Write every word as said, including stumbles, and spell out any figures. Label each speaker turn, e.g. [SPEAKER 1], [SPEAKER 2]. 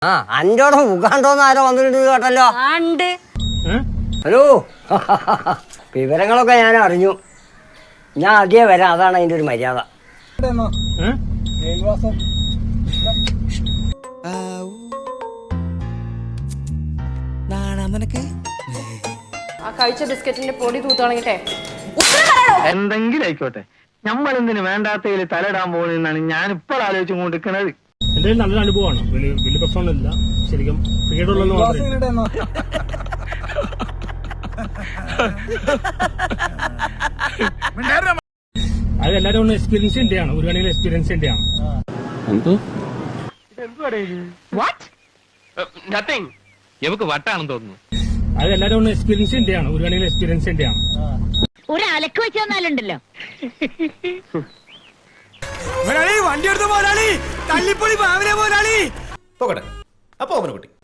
[SPEAKER 1] ആ അഞ്ചോടെ മുഖാണ്ടോന്ന് ആരോ വന്നിട്ടുണ്ട് കേട്ടല്ലോ. ഹലോ വിവരങ്ങളൊക്കെ ഞാൻ അറിഞ്ഞു. ഞാൻ ആദ്യമേ വരാം, അതാണ് അതിന്റെ ഒരു മര്യാദ.
[SPEAKER 2] കഴിച്ച ബിസ്ക്കറ്റിന്റെ പൊടി തൂത്താണെങ്കിട്ടെ
[SPEAKER 3] എന്തെങ്കിലും ആയിക്കോട്ടെ, നമ്മൾ എന്തിനു വേണ്ടാത്തതിൽ തലയിടാൻ പോകുന്നതാണ് ഞാൻ ഇപ്പോൾ ആലോചിച്ചു കൊണ്ടിരിക്കുന്നത്.
[SPEAKER 4] എന്റെ നല്ലൊരു അനുഭവമാണ്. വലിയ വലിയ പ്രശ്നമൊന്നുമില്ല. ശരിക്കും ക്രിക്കറ്റുള്ളൂ അത് എല്ലാരും ഒന്ന് എക്സ്പീരിയൻസ് ചെയ്യേണ്ടതാണ്. ഒരു വേണമെങ്കിൽ എക്സ്പീരിയൻസ് ചെയ്യേണ്ടതാണ്.
[SPEAKER 3] വട്ടാണെന്ന് തോന്നുന്നു.
[SPEAKER 4] അത് എല്ലാരും ഒന്ന് എക്സ്പീരിയൻസ് ചെയ്യേണ്ടതാണ്. ഒരു വേണമെങ്കിൽ എക്സ്പീരിയൻസ് ചെയ്യേണ്ടതാണ്.
[SPEAKER 5] ഒരു അലക്ക് വെച്ച് തന്നാലുണ്ടല്ലോ.
[SPEAKER 6] വണ്ടി എടുത്ത പോരാളി തല്ലിപ്പൊളി പാവനെ പോരാളി പോകട്ടെ. അപ്പൊ അവനെ കുട്ടി